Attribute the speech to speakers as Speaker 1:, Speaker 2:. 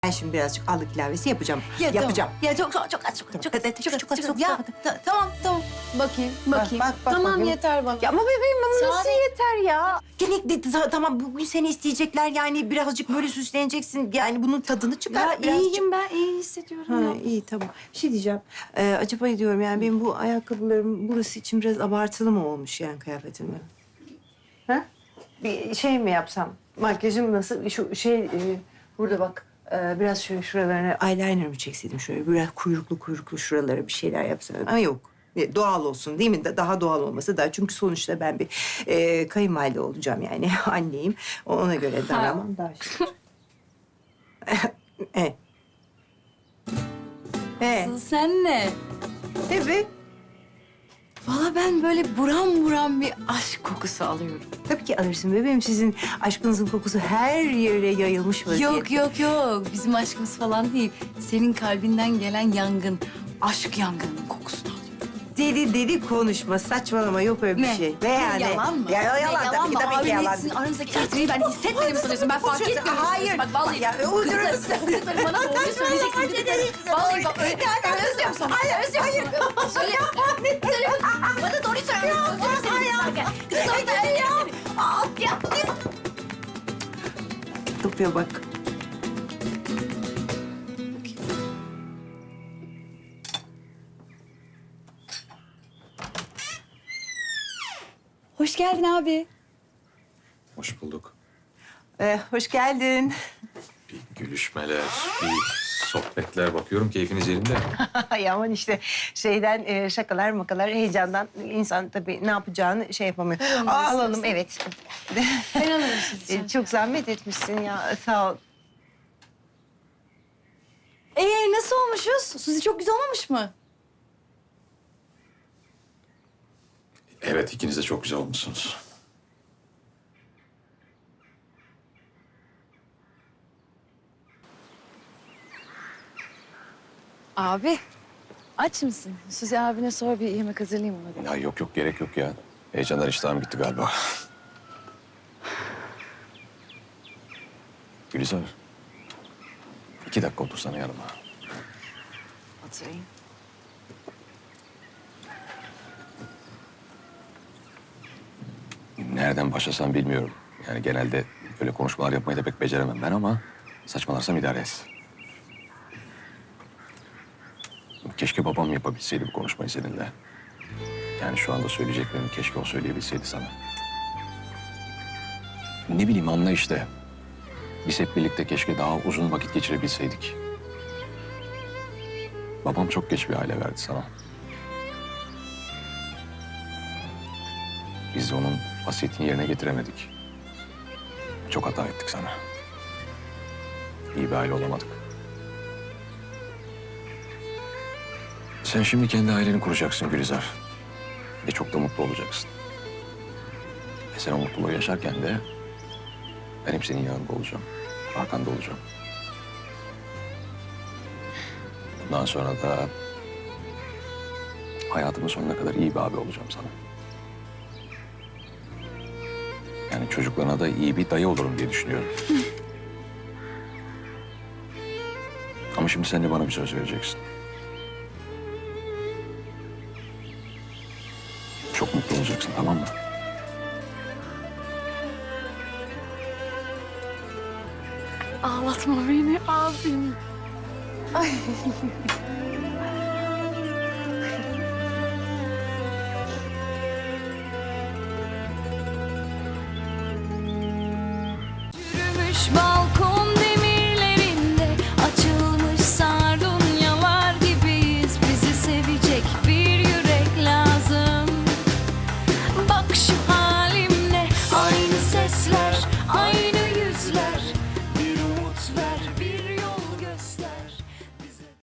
Speaker 1: Ben şimdi birazcık allık ilavesi yapacağım.
Speaker 2: Ya,
Speaker 1: yapacağım.
Speaker 2: Tamam. Ya çok az, çok az.
Speaker 1: Çok.
Speaker 2: Ya tamam. Bakayım.
Speaker 1: bak
Speaker 2: Tamam
Speaker 1: bakayım.
Speaker 2: yeter bana.
Speaker 1: Ya ama bebeğim ama nasıl
Speaker 2: Sare.
Speaker 1: yeter ya? Tamam bugün seni isteyecekler yani birazcık böyle süsleneceksin. Yani bunun tadını çıkar.
Speaker 2: Ya
Speaker 1: birazcık.
Speaker 2: iyiyim ben, iyi hissediyorum
Speaker 1: Ha,
Speaker 2: ya.
Speaker 1: iyi tamam. Bir şey diyeceğim. Acaba diyorum yani benim bu ayakkabılarım burası için biraz abartılı mı olmuş yani kıyafetimle? Ha? Bir şey mi yapsam? Makyajım nasıl? Şu burada bak. Biraz şöyle şuralarına eyeliner mi çekseydim şöyle biraz kuyruklu şuralara bir şeyler yapsam. Ama yok. Doğal olsun değil mi? Daha doğal olması daha. Çünkü sonuçta ben bir kayınvalide olacağım yani. Anneyim. Ona göre davranmam daha şey. Evet.
Speaker 2: Asıl sen ne?
Speaker 1: Evet.
Speaker 2: Valla ben böyle buram buram bir aşk kokusu alıyorum.
Speaker 1: Tabii ki alırsın bebeğim. Sizin aşkınızın kokusu her yere yayılmış vaziyette.
Speaker 2: Yok. Bizim aşkımız falan değil. Senin kalbinden gelen yangın, aşk yangınının kokusunu alıyorum.
Speaker 1: Deli konuşma, saçmalama. Yok öyle bir
Speaker 2: Ne?
Speaker 1: şey.
Speaker 2: Yalan mı?
Speaker 1: Ya, yalan
Speaker 2: Ne,
Speaker 1: tabii ki, tabii ki yalan.
Speaker 2: Sizin aranızdaki elektriği ben hissetmedim sanıyorsun. Ben fark etmiyorum.
Speaker 1: Hayır.
Speaker 2: Bak vallahi.
Speaker 1: Ya, uydurursun.
Speaker 2: Gıdıklarım bana doğruyu söyleyeceksin. Gıdıklarım. Vallahi bak öyle. Özlüyorum sana. Özlüyorum sana. Söyle. Bana doğruyu söyle. Özlüyorum seni. Gıdıklarım da öyle seni. Ya.
Speaker 1: Tıpıyor bak.
Speaker 2: Hoş geldin abi.
Speaker 3: Hoş bulduk.
Speaker 1: Hoş geldin.
Speaker 3: Bir gülüşmeler, bir sohbetler. Bakıyorum keyfiniz yerinde.
Speaker 1: Ay aman işte şeyden şakalar makalar heyecandan insan tabii ne yapacağını şey yapamıyor. Alalım evet.
Speaker 2: Ben alırım sizi.
Speaker 1: Çok zahmet etmişsin ya sağ ol.
Speaker 2: Nasıl olmuşuz? Suzi çok güzel olmamış mı?
Speaker 3: Evet, ikiniz de çok güzel olmuşsunuz.
Speaker 4: Abi, aç mısın? Suzi abine sor bir yemek hazırlayayım ona.
Speaker 3: Ya yok gerek yok ya. Heyecanlar iştahım gitti galiba. Gülizar. 2 dakika otursana yanıma.
Speaker 4: Oturayım.
Speaker 3: Nereden başlasam bilmiyorum. Yani genelde böyle konuşmalar yapmayı da pek beceremem ben ama saçmalarsam idare et. Keşke babam yapabilseydi bu konuşmayı seninle. Yani şu anda söyleyeceklerimi keşke o söyleyebilseydi sana. Ne bileyim anla işte. Biz hep birlikte keşke daha uzun vakit geçirebilseydik. Babam çok geç bir aile verdi sana. Biz de onun vasiyetini yerine getiremedik. Çok hata ettik sana. İyi bir aile olamadık. Sen şimdi kendi aileni kuracaksın Gülizar. Ve çok da mutlu olacaksın. Ve sen o mutluluğu yaşarken de ben hep senin yanında olacağım. Arkanda olacağım. Bundan sonra da hayatımın sonuna kadar iyi bir abi olacağım sana. Yani çocuklarına da iyi bir dayı olurum diye düşünüyorum. Ama şimdi sen de bana bir söz vereceksin. Çok mutlu olacaksın, tamam mı?
Speaker 4: Ağlatma beni abim.
Speaker 2: Yürümüş balkon.